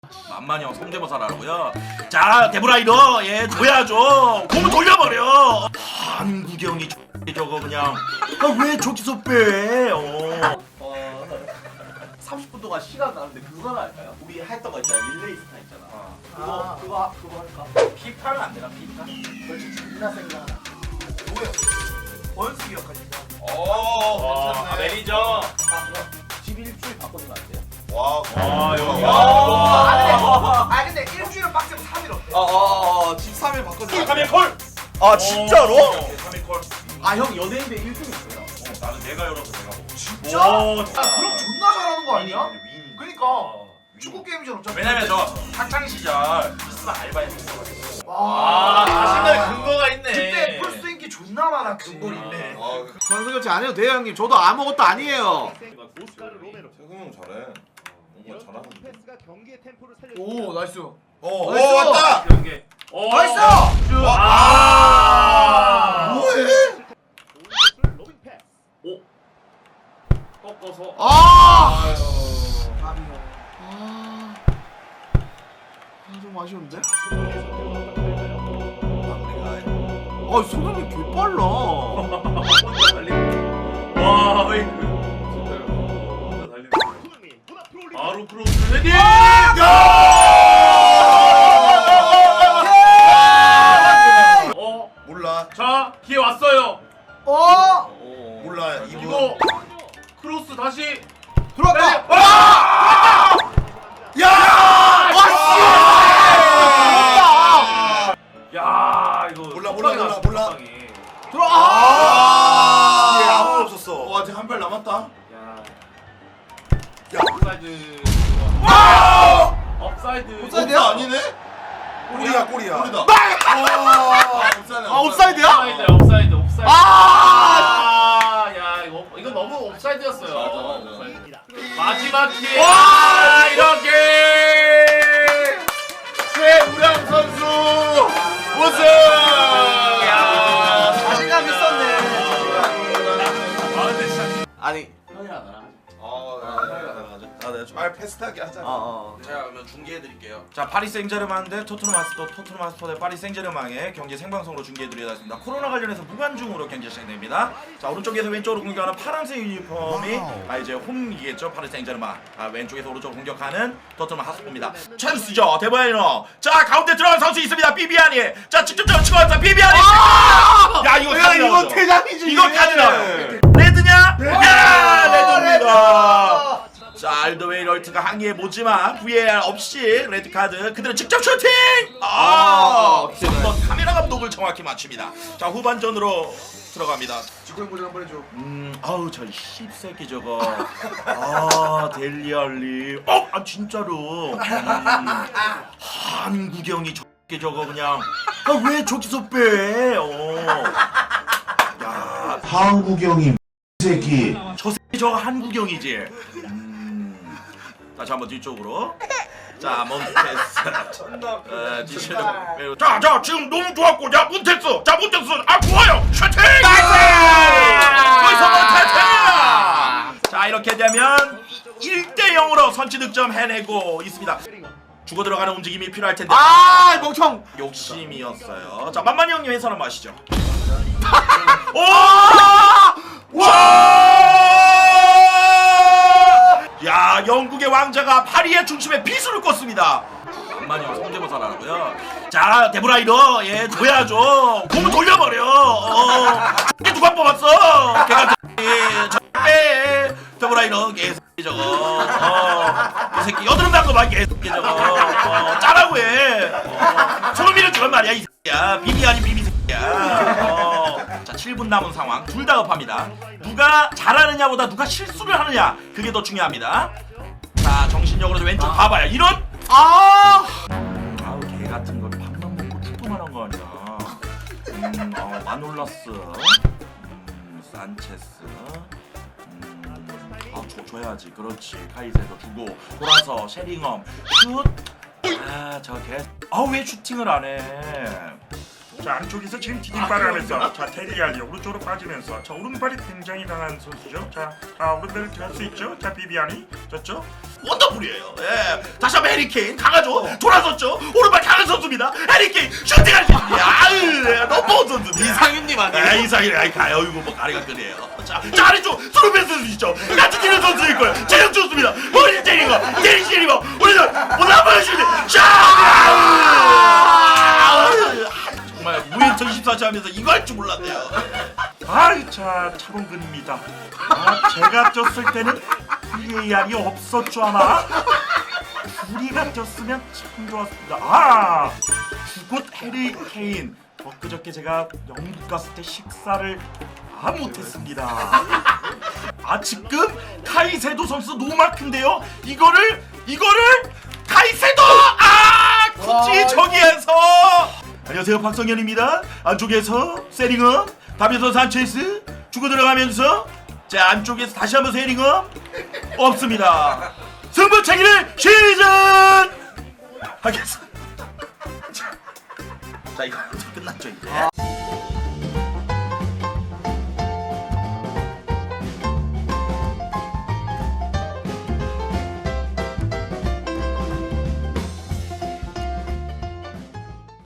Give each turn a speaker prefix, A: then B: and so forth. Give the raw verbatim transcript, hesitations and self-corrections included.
A: 만만히 형 성대모사라고요? 자 데브라이더 예 줘야죠. 공을 돌려버려. 한국형이 저거 그냥 아, 왜 저기서 빼? 어.
B: 어, 삼십 분 동안 시간 나는데 그거 할까요? 우리 했던 거 있잖아. 릴레이 스타 있잖아.
C: 어.
B: 그거
C: 아.
B: 그거 그거 할까?
C: 피파는 안 되나 피파?
B: 그렇지. 존나 생각나.
C: 누구요?
B: 원수 기억하신다.
C: 오
D: 와,
C: 괜찮네.
D: 매니저.
B: 아 그거 집 일주일 바꿔주면 안 돼요?
C: 와.
D: 아, 여기.
C: 와.
B: 아, 근데,
D: 아,
B: 아 근데 일주일은 빡세면 삼 일 어때?
C: 어어어 집 삼 일 바꿔줘.
D: 삼 일 콜.
C: 아 진짜로?
A: 삼 일 콜.
B: 아 형 연예인데 일 등 있어요.
A: 어, 나는 내가 열어서 내가 먹어.
B: 진짜?
D: 오,
B: 아 그럼 존나 잘하는 거 아니야? 그니까 축구 게임이잖아 어차피.
A: 왜냐면 저 학창 시절 비스만 알바했었어.
D: 아, 자신감의 근거가 있네.
B: 그때 풀스 인기 존나 많아 근골 있네.
E: 선수 교체 안 해도 돼요 형님. 저도 아무것도 아니에요.
C: 태국 형 잘해. 뭔가 잘하는데.
B: 오 나이스.
C: 오
B: 나이스!
C: 왔다.
D: 경계. 오.
B: 나이스!
D: 아.
C: 뭐해?
D: 꺾어서.
E: 아!
C: 아유.
E: 아, 아, 좀 아쉬운데?
C: 마무리가.
E: 아, 소감이 개 빨라.
D: 와, 페이크. 진짜요. 혼자 달리는. 바로 크로스 헤딩. 어,
C: 몰라.
D: 자, 기회 왔어요.
B: 어?
C: 몰라. 이거.
D: 이거 크로스 다시.
E: 들어왔다.
D: 와!
C: 야!
D: 야, 이거
C: 몰라, 몰라, 몰라,
D: 나왔어,
C: 몰라.
D: 적당히.
E: 들어.
C: 아!
E: 아!
C: 뒤에 아무도 없었어.
D: 어,
C: 와, 아직 한 발 남았다.
D: 야.
C: 야.
D: 업사이드.
C: 와!
D: 업사이드.
C: 옵사이드야? 아니네? 골이야, 골이야. 골이다. 와! 옵사이드.
E: 아, 옵사이드야?
D: 업사이드, 업사이드, 업사이드.
E: 아!
D: 아, 야, 이거 이거 너무 옵사이드였어요.
C: 맞아, 맞아.
D: 옵사이드. 마지막 기회.
E: 와!
D: 이렇게 최우량 선수 우승. 야,
E: 자신감 있었네.
D: 아, 근데 진짜
E: 아니.
B: 형이랑 나랑 하자.
C: 아, 내가 좀 말 패스트하게 하자.
E: 어, 어.
A: 자 그러면 중계해드릴게요. 자 파리 생제르맹 대 토트넘 하스토 토트넘 하스토 대 파리 생제르맹의 경기 생방송으로 중계해드리겠습니다. 코로나 관련해서 무관중으로 경기 시작됩니다. 자 오른쪽에서 왼쪽으로 공격하는 파란색 유니폼이 아 이제 홈이겠죠. 파리 생제르맹. 아 왼쪽에서 오른쪽으로 공격하는 토트넘 하스토입니다. 찬스죠 데브라이너. 자 가운데 들어간 선수 있습니다. 비비아니. 자 직접적으로 치고 왔다 비비아니. 야 이거
E: 야,
A: 카드
E: 이거
A: 나오죠?
E: 퇴장이지.
A: 이거 카드 나와요. 레드냐? 야 레드입니다. 자 알더웨이럴트가 항의해보지만 브이에이알 없이 레드카드 그대로 직접 슈팅! 아! 한번 카메라 감독을 정확히 맞춥니다. 자 후반전으로 들어갑니다.
C: 직권 보장 한번 해줘.
A: 음 아우 저 씹새끼 저거 아 델리알리 어? 아 진짜로 음, 한국형이 저게 저거 그냥 아 왜 저기서 빼? 어. 야
F: 한국형이 새끼.
A: 저 새끼 저거 한국형이지. 음. 다시 한번 뒤쪽으로. 자 몬테스. 어, 디체르. 자, 자 지금 너무 좋았고, 자 몬테스. 자 몬테스. 아 좋아요. 슈팅. 거기서 몬테스. 자 이렇게 되면 일 대 영으로 선취 득점 해내고 있습니다. 주고 들어가는 움직임이 필요할 텐데.
E: 아, 멍청.
A: 욕심이었어요. 자 만만히 형님 해설 한번 하시죠. 오! 와! 야 영국의 왕자가 파리의 중심에 비수를 껐습니다. 만만히 형 성대모사라고요? 자 데브라이더 예 줘야죠. 공을 돌려버려. 어. 이게 누가 뽑았어? 걔가 예, 데브라이더 개새끼 저거. 어. 이 새끼 여드름 난거 봐 개새끼 저거. 어. 짜라고 해. 어. 소름이를 주란 말이야 이 새끼야. 비비 아닌 비비 새끼야. 어. 자 칠 분 남은 상황 둘 다 급합니다. 누가 잘하느냐보다 누가 실수를 하느냐 그게 더 중요합니다. 자 정신력으로 왼쪽 아. 봐봐요 이런 아 아우 개 같은 걸 밥만 먹고 축구만 한 거 아니야. 음, 어, 마놀라스 음, 산체스 음, 아 줘, 줘야지 그렇지 카이세도 주고 돌아서 쉐링엄 슛 아 저 개 아 왜 슈팅을 안해
G: 자 안쪽에서 지금 디딤발을 하면서 자 테리알리 오른쪽으로 빠지면서 자 오른발이 굉장히 강한 선수죠. 자 아, 오른발을 들어갈 수 있죠. 자 비비안이 졌죠.
A: 원더풀이에요. 예. 다시 한번 해리케인 강하죠. 돌아섰죠. 오른발 강한 선수입니다. 해리케인 슈팅할 수 있습니다. 아유 예, 넘버원 선수입니다.
E: 이상윤님 아니에요?
A: 아 이상이래. 아이 가요. 이거 뭐 가리가 끄네요. 자, 자 아래쪽 스루베스 선수 있죠. 같이 뛰는 선수일 거예요. 체력 좋습니다. 머리 때리는 거, 때리 때리는 거. 우리는 올라가면 슈팅. 샤! 정말 무인천 이십사 시 하면서 이거 할 줄 몰랐네요.
G: 아이 자 차범근입니다. 아 제가 쪘을 때는 브이에이알이 없었죠 아마. 우리가 쪘으면 참 좋았습니다. 아 주곳 해리 케인. 엊그저께 제가 영국 갔을 때 식사를 다 못했습니다. 아 지금 카이세도 선수 노마크인데요. 이거를 이거를 카이세도 아 굳이 저기에서 안녕하세요 박성현입니다. 안쪽에서 세링엄 다비서 산체스 주고 들어가면서 자 안쪽에서 다시 한번 세링엄 없습니다. 승부차기를 시즌 하겠습니다. 자 이거 끝났죠 이제.